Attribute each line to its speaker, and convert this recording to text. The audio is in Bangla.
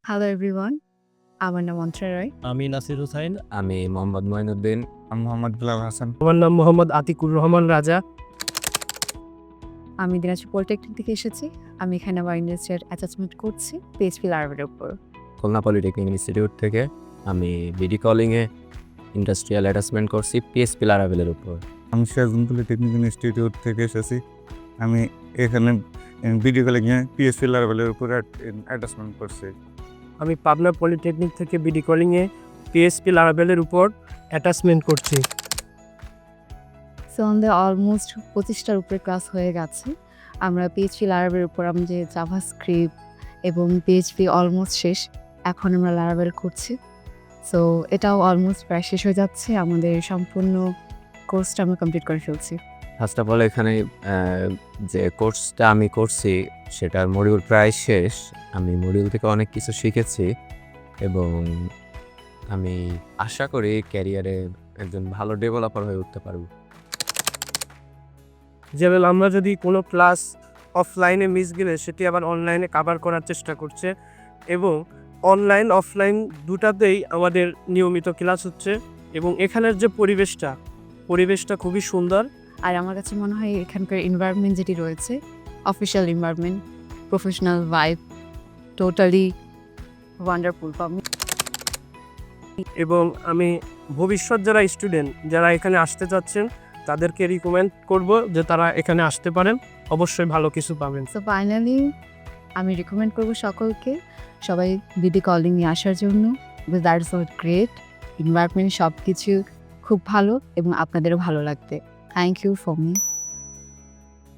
Speaker 1: হ্যালো এভরিওয়ান, আমার নাম অন্তরা রয়।
Speaker 2: আমি নাসির হুসাইন।
Speaker 3: আমি মোহাম্মদ মঈনুদ্দিন।
Speaker 4: আমি মোহাম্মদ বিলাল হাসান।
Speaker 5: আমার নাম মোহাম্মদ আতিকুর রহমান রাজা।
Speaker 1: আমি দিনাজপুর পলিটেকনিক থেকে এসেছি। আমি এখানে আমার ইন্ডাস্ট্রিয়াল অ্যাটাচমেন্ট করছি পিএইচপি লারাভেলের উপর।
Speaker 3: খুলনা পলিটেকনিক ইনস্টিটিউট থেকে আমি বিডি কলিংয়ে ইন্ডাস্ট্রিয়াল অ্যাটাচমেন্ট করছি পিএসপি লারাভেলের উপর।
Speaker 4: আমি সিরাজগঞ্জ পলিটেকনিক ইনস্টিটিউট থেকে এসেছি। আমি এখানে ভিডিও কলিংয়ে পিএসপি লারাভেলের উপর অ্যাটাচমেন্ট করছি।
Speaker 5: আমি পাবনা পলিটেকনিক থেকে বিডি কলিংয়ে পিএসপি লারাভেলের উপর অ্যাটাচমেন্ট করছি।
Speaker 1: সো আমাদের অলমোস্ট 25টার উপরে ক্লাস হয়ে গেছে। আমরা পিএইচপি লারাভেলের উপর আমাদের জাভাস্ক্রিপ্ট এবং পিএইচপি অলমোস্ট শেষ। এখন আমরা লারাভেল করছি। সো এটাও অলমোস্ট প্রায় শেষ হয়ে যাচ্ছে। আমাদের সম্পূর্ণ কোর্সটা আমরা কমপ্লিট করে ফেলছি।
Speaker 3: ফার্স্ট অফ অল এখানে যে কোর্সটা আমি করছি সেটার মডিউল প্রায় শেষ। আমি মডিউল থেকে অনেক কিছু শিখেছি এবং আমি আশা করি ক্যারিয়ারে একজন ভালো ডেভেলপার হয়ে উঠতে পারবো।
Speaker 5: যেমন আমরা যদি কোনো ক্লাস অফলাইনে মিস গেলে সেটি আবার অনলাইনে কভার করার চেষ্টা করছে এবং অনলাইন অফলাইন দুটাতেই আমাদের নিয়মিত ক্লাস হচ্ছে এবং এখানের যে পরিবেশটা খুবই সুন্দর।
Speaker 1: আর আমার কাছে মনে হয় এখানকার এনভায়রনমেন্ট যেটি রয়েছে, official environment, professional vibe, totally wonderful for me.
Speaker 5: এবং আমি ভবিষ্যৎ যারা স্টুডেন্ট যারা এখানে আসতে চাচ্ছেন তাদেরকে রিকমেন্ড করব যে তারা এখানে আসতে পারেন, অবশ্যই ভালো কিছু পাবেন।
Speaker 1: সো ফাইনালি আমি রিকমেন্ড করবো সকলকে সবাই বিডি কলিং নিয়ে আসার জন্য। That is not great, environment সব কিছু খুব ভালো এবং আপনাদেরও ভালো লাগবে। Thank you for me.